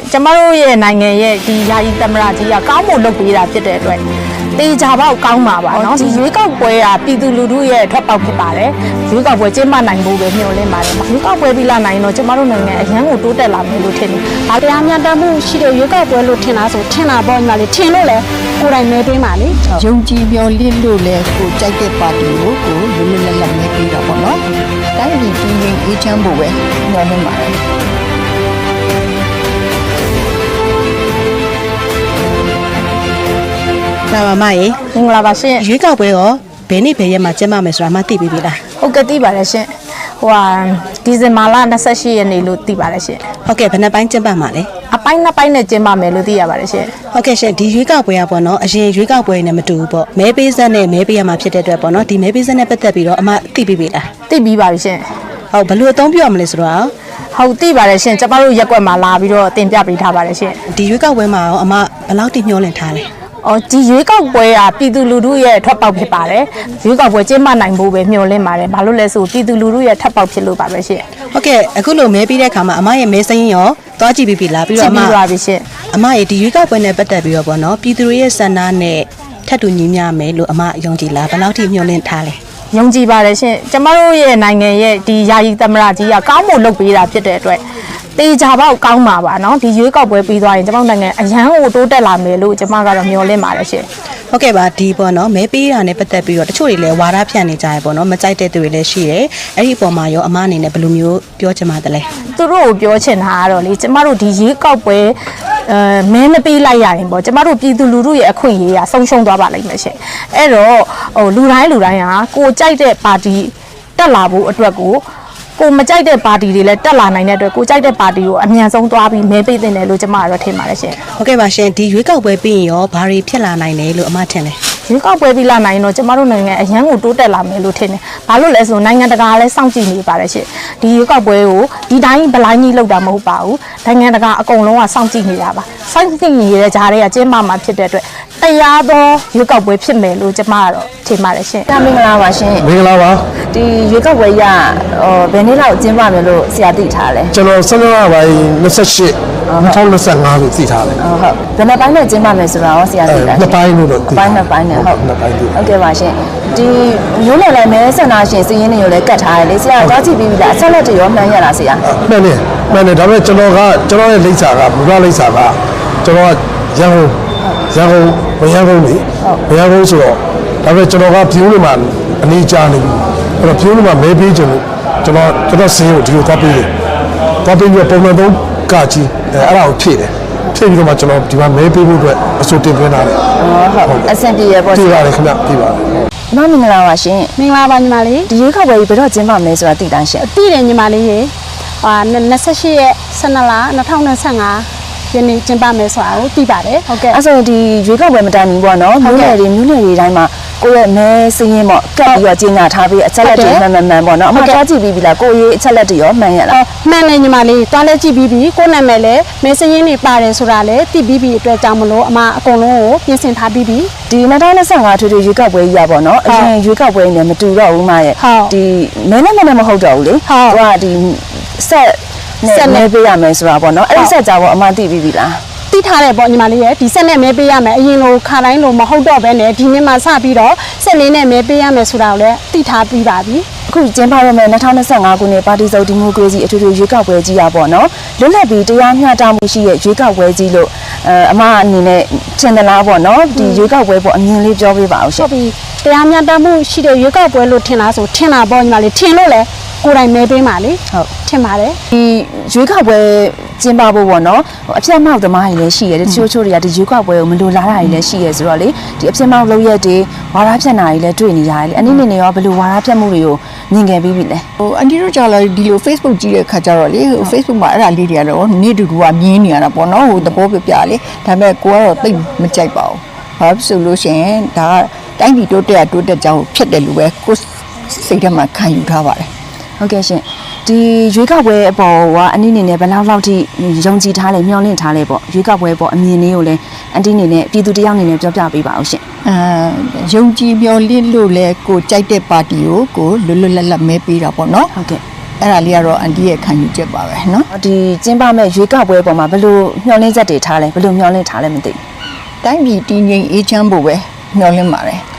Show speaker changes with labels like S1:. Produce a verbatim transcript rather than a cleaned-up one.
S1: ကျမတို့ရဲ့နိုင်ငံရဲ့ဒီယာယီသမရကြီးကကောင်းမွန်လုပ်ပေးတာဖြစ်တဲ့အတွက်တေချာပေါက်ကောင်းပါပါเนาะဒီရွေးကောက်ပွဲကပြည်သူလူထုရဲ့ထွက်ပေါက်ဖြစ်ပါတယ်ရွေးကောက်ပွဲကျင်းပနိုင်ဖို့ပဲမျှော်လင့်ပါတယ်ရွေးကောက်ပွဲပြီးလာနိုင်တော့ကျမတို့နိုင်ငံအရန်ကိုတိုးတက်လာမယ်လို့ထင်တယ်။ဒါတရားမျှတမှုရှိတဲ့ရွေးကောက်ပွဲလို့ထင်လားဆိုထင်တာပေါ့ညီမလေးထင်လို့လေကိုယ်တိုင်မဲပေးပါလေ
S2: ။ယုံကြည်မျှော်လင့်လို့လေကိုကြိုက်တဲ့ပါတီကိုကိုလွတ်လွတ်လပ်လပ်မဲပေးတာပေါ့နော်။တိုင်းပြည်ပြည်ရင်းအေးချမ်းဖို့ပဲမျှော်လင့်ပါတယ်။
S3: လာပါမရေ
S1: မင်္ဂလာပါရှင်
S3: ရွေးကောက်ပွဲရောဘယ်နေ့ဘယ်ရက်မှာကျင်းပမယ်ဆိုတာမှသိပြီလား
S1: ဟုတ်ကဲ့သိပါတယ်ရှင်ဟိုဟာဒီဇင်ဘာလ၂၈ရက်နေ့လို့သိပါတယ်ရှင်
S3: ဟုတ်ကဲ့ဘယ်နှပိုင်းကျင်းပမှာလဲ
S1: အပိုင်းနှစ်ပိုင်းနဲ့ကျင်းပမယ်လို့သိရပါတယ်ရှင်
S3: ဟုတ်ကဲ့ရှင်ဒီရွေးကောက်ပွဲကပေါ့နော်အရင်ရွေးကောက်ပွဲနဲ့မတူဘူးပေါ့မဲပေးဆက်နဲ့မဲပေးရမှာဖြစ်တဲ့အတွက်ပေါ့နော်ဒီမဲပေးဆက်နဲ့ပတ်သက်ပြီးတော့အမသိပြီပြီလား
S1: သိပြီးပါပြီရှင်
S3: ဟုတ်ဘယ်လိုအသုံးပြရမလဲဆိုတော့
S1: ဟုတ်သိပါတယ်ရှင်ကျမတို့ရက်ွက်မှာလာပြီးတော့တင်ပြပေးထားပါတယ်ရှင်
S3: ဒီရွေးကောက်ပွဲမှာရောအမဘယ်လောက်တိမျှော်လင့်ထားလဲ
S1: အော်ဒီရွေးကောက်ပွဲကပြည်သူလူထုရဲ့ထွက်ပေါက်ဖြစ်ပါတယ်ရွေးကောက်ပွဲကျင်းပနိုင်ဖို့ပဲမျှော်လင့်ပါတယ်ဘာလို့လဲဆိုပြည်သူလူထုရဲ့ထွက်ပေါက်ဖြစ်လို့ပါပဲရှင်
S3: ဟုတ်ကဲ့အခုလိုမဲပြီးတဲ့အခါမှာအမရဲ့မဲစင်းရောသွားကြည့်ပြီးပြီလားပြီးတော့အမ
S1: ကြည့်ပြီးပါပြီရှင်
S3: အမရဲ့ဒီရွေးကောက်ပွဲနဲ့ပတ်သက်ပြီးတော့ပေါ့နော်ပြည်သူတွေရဲ့ဆန္ဒနဲ့ထပ်တူညီမျှမယ်လို့အမယုံကြည်လားဘယ်လောက်ထိမျှော်လင့်ထားလဲ
S1: ယုံကြည်ပါတယ်ရှင်ကျမတို့ရဲ့နိုင်ငံရဲ့ဒီယာယီသမရကြီးကကောင်းမွန်လုပ်ပေးတာဖြစ်တဲ့အတွက်တေချာပေါက်ကောင်းပါပါเนาะဒီရွေးကောက်ပွဲပြီးသွားရင်ကျမတို့နိုင်ငံအရန်ကိုတိုးတက်လာမယ်လို့ကျမကတော့မျှော်လင့်ပါတယ်ရှင်
S3: ဟုတ်ကဲ့ပါဒီပေါ့နော်မဲပေးတာနဲ့ပတ်သက်ပြီးတော့တချို့တွေလည်းဝါဒဖြန့်နေကြရပေါ့နော်မကြိုက်တဲ့သူတွေလည်းရှိတယ်အဲ့ဒီအပေါ်မှာရောအမအနေနဲ့ဘယ်လိုမျိုးပြောချင်ပါတယ်လဲ
S1: သူတို့ကိုပြောချင်တာကတော့လေကျမတို့ဒီရွေးကောက်ပွဲအဲမဲမပေးလိုက်ရရင်ပေါ့ကျမတို့ပြည်သူလူထုရဲ့အခွင့်အရေးကဆုံးရှုံးသွားပါလိမ့်မယ်ရှင်အဲ့တော့ဟိုလူတိုင်းလူတိုင်းဟာကိုကြိုက်တဲ့ပါတီတက်လာဖို့အတွက်ကိုကိုမကြိုက်တဲ့ပါတီတွေလည်းတက်လာနိုင်တဲ့အတွက်ကိုကြိုက်တဲ့ပါတီကိုအမြန်ဆုံးသွားပြီးမဲပေးသင့်တယ်လို့ကျမကတော့ထင်ပါတယ်ရှင်
S3: ဟုတ်ကဲ့ပါရှင်ဒီရွေးကောက်ပွဲပြီးရင်ရောဘာတွေဖြစ်လာနိုင်တယ်လို့အမထင်လဲ
S1: ရွေးကောက်ပွဲပြီးလာနိုင်တော့ကျမတို့နိုင်ငံအရန်ကိုတိုးတက်လာမယ်လို့ထင်တယ်ဘာလို့လဲဆိုနိုင်ငံတကာလည်းစောင့်ကြည့်နေပါတယ်ရှင်ဒီရွေးကောက်ပွဲကိုဒီတိုင်းဗလိုင်းကြီးလောက်တာမဟုတ်ပါဘူးနိုင်ငံတကာအကုန်လုံးကစောင့်ကြည့်နေတာပါစောင့်ကြည့်နေတဲ့ကြားတွေကကျင်းပမှာဖြစ်တဲ့အတွက်တရားသောရွေးကောက်ပွဲဖြစ်မယ်လို့ကျမကတော့ထင်ပါတယ်ရှင်
S4: မင်္ဂလာပါရှင်
S5: မင်္ဂလာပါ
S4: ဒီရွေးကောက်ပွဲရဟိုဘယ်နေ့လောက်ကျင်းပမယ်လို့ဆရာသိထားလဲ
S5: ကျွန်တော်ဆန္ဒပိုင်း၂၈ ၂၀၂၅လို့သိထားတယ်
S4: ဟုတ်ဟုတ်ဘယ်နှပိုင်းနဲ့ကျင်းပမယ်ဆိုတာရောဆရာသိလား
S5: နှစ်ပိုင်းလို့တော့
S4: ပိုင်းနှစ်ပိုင်းနဲ့ဟုတ်
S5: နှစ်ပိုင်းသိ
S4: ဟုတ်ကဲ့ပါရှင်ဒီမျိုးနယ်လည်းမဲဆန္ဒရှင်စီးရင်တွေကိုလည်းကတ်ထားတယ်လေဆရာကြားကြည့်ပြီးပြီလားအဆက်လက်တွေရောမှန်းရလားဆရာ
S5: မှန်တယ်မှန်တယ်ဒါပေမဲ့ကျွန်တော်ကကျွန်တော်ရဲ့လိပ်စာကမူလလိပ်စာကကျွန်တော်ကရန်ကုန်ရန်ကုန်ဝရန်ကုန်လေဝရန်ကုန်ဆိုတော့ဒါပေမဲ့ကျွန်တော်ကဖြူးနေမှာအနေကြာနေပြီအဲ့တော့ဖြူးနေမှာမဲပေးချင်လို့ကျွန်တော်ကျွန်တော်စင်းကိုဒီလိုသွားပေးတယ်သွားပေးပြီးပုံမှန်သုံးကကြီးအဲ့အဲ့ဒါကိုဖြည့်တယ်ဖြည့်ပြီးတော့မှကျွန်တော်ဒီမှာမဲပေးဖို့အတွက်အစိုးတင်သွင်းထားတယ်
S4: ဟုတ်အဆင်ပြေရပေါ့
S5: ပြပါတယ်ခင်ဗျပြပါတယ်
S4: မမင်္ဂလာပါရှင်
S1: မင်္ဂလာပါညီမလေး
S4: ဒီရွေးကောက်ပွဲဘယ်တော့ကျင်းပမလဲဆိုတာသိတမ်းရှင်
S1: သိတယ်ညီမလေးရေဟာ၂၈ရက်၁၂လ၂၀၂၅ယနေ့ကျင်းပမယ်ဆိုတာကိုသိပါတယ်
S4: ဟုတ်ကဲ့အဲ့ဆိုဒီရွေးကောက်ပွဲမတိုင်ဘူးပေါ့နော်မြို့နယ်တွေမြို့နယ်တွေတိုင်းမှာကိုယ့်ရဲ့မဲစင်းရင်ပေါ့ကတ်ပြီးတော့ကြီးညာထားပြီးအချက်လက်တွေမှန်မှန်မှန်ပေါ့နော်အမှသွားကြည့်ပြီးပြီလားကိုယ့်ရဲ့အချက်လက်တွေရောမှန်ရလား
S1: မှန်တယ်ညီမလေးသွားလဲကြည့်ပြီးပြီကိုယ့်နာမည်လည်းမဲစင်းရင်တွေပါတယ်ဆိုတာလည်းသိပြီးပြီအတွက်ကြောင့်မလို့အမအကုန်လုံးကိုပြင်ဆင်ထားပြီးပြီ
S4: ဒီ၂၀၂၅ထွေထွေရွေးကောက်ပွဲကြီးရပေါ့နော်အရင်ရွေးကောက်ပွဲနဲ့မတူတော့ဘူးမရဲ့ဒီမဲနဲ့မဲနဲ့မဟုတ်တော့ဘူးလေသူကဒီဆက်ဆက်မဲပေးရမယ်ဆိုတာပေါ့နော်အဲ့ဒီဆက်ကြပေါ့အမှသိပြီးပြီလား
S1: သိထားတယ်ပေါ့ညီမလေးရဲ့ဒီဆက်နဲ့မဲပေးရမယ်အရင်လိုခါတိုင်းလိုမဟုတ်တော့ဘဲနဲ့ဒီနေ့မှစပြီးတော့ဆက်လေးနဲ့မဲပေးရမယ်ဆိုတာကိုလည်းသိထားပြီးပါပြီ
S4: အခုကျင်းပရမယ့်၂၀၂၅ခုနှစ်ပါတီစုံဒီမိုကရေစီအထွေထွေရွေးကောက်ပွဲကြီးရပေါ့နော်လွတ်လပ်ပြီးတရားမျှတမှုရှိတဲ့ရွေးကောက်ပွဲကြီးလို့အဲအမအနေနဲ့ထင်သလားပေါ့နော်ဒီရွေးကောက်ပွဲပေါ့အမြင်လေးပြောပြပါအောင်ရှင်
S1: ဟုတ်ပြီတရားမျှတမှုရှိတဲ့ရွေးကောက်ပွဲလို့ထင်လားဆိုထင်တာပေါ့ညီမလေးထင်လို့လေကိုယ်တိုင်မဲပေးပါလေ
S4: ဟုတ်
S1: ထင်ပါတယ်
S4: ဒီရွေးကောက်ပွဲကျင်းပဖို့ပေါ့နော်အပြတ်မောက်သမားတွေလည်းရှိရတယ်တချို့ချို့တွေကဒီရွေးကောက်ပွဲကိုမလိုလားတာတွေလည်းရှိရဆိုတော့လေဒီအပြတ်မောက်လုပ်ရက်တွေဝါဒဖြန့်တာတွေလည်းတွေ့နေရတယ်လေအနည်းနည်းနဲ့ရောဘယ်လိုဝါဒဖြန့်မှုတွေကိုမြင်ခဲ့ပြီးပြီလဲ
S2: ဟိုအန်တီတို့ကြောင့်လည်းဒီလို Facebook ကြည့်တဲ့ခါကျတော့လေဟို Facebook မှာအဲ့ဒါလေးတွေကတော့နေ့တူတူကမြင်နေရတာပေါ့နော်ဟိုသဘောပြပြလေဒါပေမဲ့ကိုကတော့သိမကြိုက်ပါဘူးဘာဖြစ်ဆိုလို့ရှိရင်ဒါကတိုင်းပြည်တိုးတက်တိုးတက်ကြောင်းဖြစ်တယ်လို့ပဲကိုစိတ်ထဲမှာခံယူထားပါတယ်
S4: ဟုတ်ကဲ့ရှင်ဒီရွေးကောက်ပွဲအပေါ်ကအနည်းနေနဲ့ဘယ်လောက်လောက်ထိယုံကြည်ထားလဲမျှော်လင့်ထားလဲပေါ့ရွေးကောက်ပွဲပေါ့အမြင်လေးကိုလည်းအန်တီနေနဲ့ပြည်သူတယောက်နေနဲ့ပြောပြပေးပါအောင်ရှင်
S2: အာယုံကြည်မျှော်လင့်လို့လဲကိုကြိုက်တဲ့ပါတီကိုကိုလွတ်လွတ်လပ်လပ်မဲပေးတာပေါ့နော်
S4: ဟုတ်ကဲ့
S2: အဲ့ဒါလေးကတော့အန်တီရဲ့ခံယူချက်ပါပဲเนาะ
S4: ဒီကျင်းပမဲ့ရွေးကောက်ပွဲပေါ်မှာဘယ်လိုမျှော်လင့်ချက်တွေထားလဲဘယ်လိုမျှော်လင့်ထားလဲမသိ
S2: တိုင်းပြည်တည်ငြိမ်အေးချမ်းဖို့ပဲမျှော်လင့်ပါတယ်